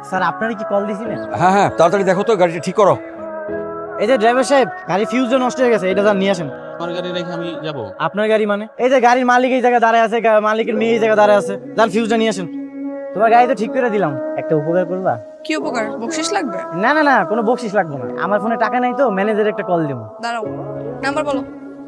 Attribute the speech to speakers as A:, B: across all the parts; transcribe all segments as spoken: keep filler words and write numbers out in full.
A: Sir আপনারা কি call দিছিলেন?
B: হ্যাঁ হ্যাঁ তাড়াতাড়ি দেখো তো গাড়িটা ঠিক করো।
A: এই যে ড্রাইভার সাহেব, গাড়ি ফিউজটা নষ্ট হয়ে গেছে, এটা স্যার নিয়ে আসেন।
C: আমার গাড়ি রেখে আমি যাব?
A: আপনার গাড়ি মানে? এই যে গাড়ির মালিক এই জায়গায় দাঁড়ায় আছে, গা- মালিকের মেয়ে এই জায়গায় দাঁড়ায় আছে, যান ফিউজটা নিয়ে আসেন। তোমার গাড়ি তো ঠিক করে দিলাম, একটা উপকার করবা?
D: কি উপকার? বকশিস লাগবে?
A: না না না, কোনো বকশিস লাগবে না, আমার ফোনে টাকা নাই তো, ম্যানেজার একটা কল দেবো।
D: দাঁড়াও, নাম্বার বলো।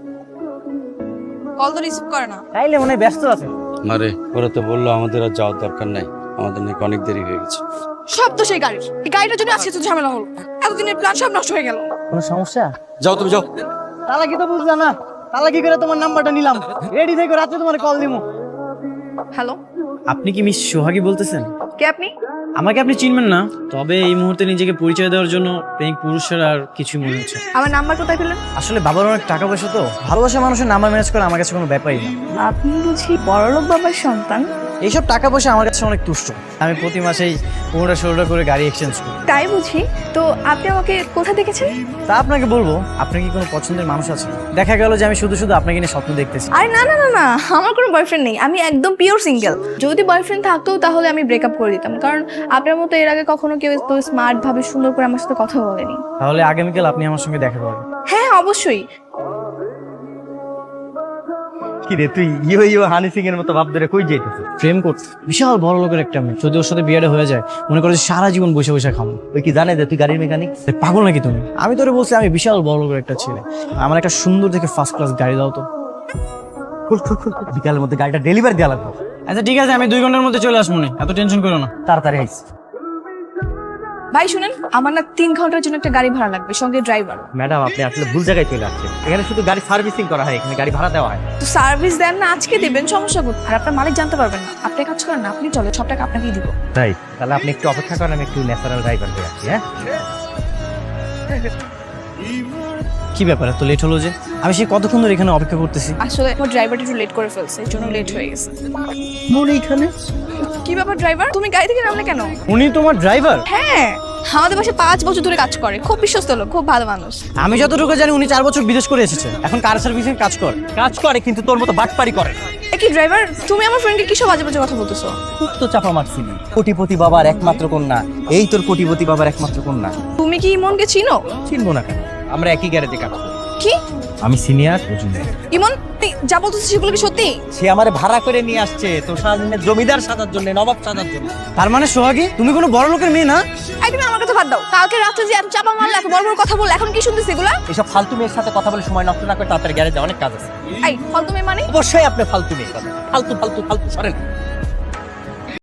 D: কল তো রিসিভ করে না।
A: তাইলে মনে হয় ব্যস্ত আছে।
B: আরে ওরা তো বললো আমাদের আর যাওয়ার দরকার নাই, আমাদের নাকি অনেক দেরি হয়ে গেছে।
D: সব তো সেই গাড়ির। এই গাড়িটার জন্য আজকে তো ঝামেলা হলো, এতদিনের প্ল্যান সব নষ্ট হয়ে গেল।
A: কোনো সমস্যা?
B: যাও তুমি যাও।
A: তাহলে কি তো বুঝলা না, তাহলে কি করে তোমার নাম্বারটা নিলাম, রেডি থেকে রাত্রে তোমার কল দিবো।
D: হ্যালো,
A: আপনি কি মিস সোহাগী বলতেছেন?
D: কে আপনি?
A: আমাকে আপনি চিনবেন না, তবে এই মুহূর্তে নিজেকে পরিচয় দেওয়ার জন্য প্রেমিক পুরুষের আর কিছু মনে হচ্ছে।
D: আমার নাম্বার কোথায় পেলেন?
A: আসলে বাবার অনেক টাকা পয়সা তো, ভালোবাসা মানুষের নাম্বার ম্যানেজ করা আমার কাছে কোনো ব্যাপারই না।
D: আপনি বুঝি বড়লোক বাবার সন্তান?
A: এইসব টাকা পয়সা আমার কাছে অনেক তুষ্ট, আমি প্রতি মাসেই পনেরোটা ষোলোটা করে গাড়ি এক্সচেঞ্জ করি।
D: তাই বুঝি। তো আপনি আমাকে কোথা দেখেছেন?
A: তা আপনাকে বলবো, আপনার কি কোনো পছন্দের মানুষ আছে? দেখা গেল যে আমি শুধু শুধু আপনাকে নিয়ে স্বপ্ন দেখতেছি।
D: আরে না না না না, আমার কোনো বয়ফ্রেন্ড নেই, আমি একদম পিওর সিঙ্গেল। যদি বয়ফ্রেন্ড থাকতো তাহলে আমি ব্রেকআপ করে দিতাম, কারণ আপনার মতো এর আগে কখনো কেউ তো স্মার্ট ভাবে সুন্দর করে আমার সাথে কথা বলেনি।
A: তাহলে আগামীকাল আপনি আমার সঙ্গে দেখা করবেন।
D: হ্যাঁ অবশ্যই।
A: কি রে তুই ইয়ো ইয়ো হানি সিং এর মতো ভাব ধরে কই যাইতেছিস? প্রেম করতে বিশাল বড় লোকের একটা মেয়ে, যদি ওর সাথে বিয়েটা হয়ে যায় মনে করো যে সারা জীবন বসে বসে খাবো। ওই কি জানে যে তুই গাড়ির মেকানিক? পাগল নাকি তুমি? আমি তোরে বলছি আমি বিশাল বড় লোকের একটা ছেলে, আমার একটা সুন্দর দেখে ফার্স্ট ক্লাস গাড়ি দাও তো।
E: বিকালের মধ্যে গাড়িটা ডেলিভারি দেওয়া লাগবে।
A: আচ্ছা ঠিক আছে, আমি দুই ঘন্টার মধ্যে চলে আসবো, না এত টেনশন করো না।
E: তাড়াতাড়ি আইস।
D: ভাই শুনেন, আমার না তিন ঘন্টার জন্য একটা গাড়ি ভাড়া লাগবে, সঙ্গে ড্রাইভার।
E: ম্যাডাম আপনি আসলে ভুল জায়গায় চলে আসছেন, এখানে শুধু গাড়ি সার্ভিসিং করা হয়, এখানে গাড়ি ভাড়া দেওয়া হয়।
D: তো সার্ভিস দেন না, আজকে দিবেন, সমস্যা কোথায়? আর আপনার মালিক জানতে পারবেন না। আপনি কাজ করেন না, আপনি চলে সব টাকা আপনাকেই দিব।
E: তাই তাহলে আপনি একটু অপেক্ষা করেন, আমি একটু ন্যাচারাল ড্রাইভার হয়ে আসছি। হ্যাঁ
A: কি ব্যাপার এত লেট হলো যে? আমি সেই কতক্ষণ ধরে এখানে অপেক্ষা করতেছি।
D: আসলে আমার ড্রাইভারটা একটু লেট করে ফেলছে, এর জন্য লেট হয়ে গেছে।
A: মনে এখানে
D: কি ব্যাপার ড্রাইভার, তুমি গাড়ি থেকে নামলে কেন?
A: উনি তোমার ড্রাইভার?
D: হ্যাঁ, আমাদের বাসায় পাঁচ বছর ধরে কাজ করে, খুব বিশ্বস্ত লোক, খুব ভালো মানুষ।
A: আমি যতটুকু জানি উনি চার বছর বিদেশ করে এসেছে, এখন কার সার্ভিসিং কাজ করে।
E: কাজ করে কিন্তু তোর মতো বাটপারি করে।
D: কি ড্রাইভার, তুমি আমার ফ্রেন্ডকে কিসব বাজে বাজে কথা বলতেছো?
E: খুব তো চাপা মারছিলি। কোটিপতি বাবার একমাত্র কন্যা, এই তোর কোটিপতি বাবার একমাত্র কন্যা।
D: তুমি কি ইমনকে চিনো?
E: চিনবো না কেন, আমরা একই গ্যারেজে কাজ করি।
D: কি
E: আমি সিনিয়র, ও জুনিয়র।
D: ইমন, তুই যা বলতেছিস সেগুলো কি সত্যি?
E: সে আমারে ভাড়া করে নিয়ে আসছে তোর সামনে জমিদার সাজার জন্য, নবাব সাজার জন্য।
A: তার মানে সোহাগী তুমি কোনো বড় লোকের মেয়ে না?
D: এই তুমি আমার কথা বাদ দাও, কালকে রাতে যে এত চাপা মারলে, এত বড় বড় কথা বললে, এখন কি শুনতেছি এগুলা?
E: এসব ফালতু মেয়ের সাথে কথা বলে সময় নষ্ট না করে তাড়াতাড়ি গ্যারেজে অনেক কাজ আছে।
D: এই ফালতু মেয়ে মানে?
E: অবশ্যই আপনি ফালতু মেয়ে কথা, ফালতু ফালতু ফালতু সরেন।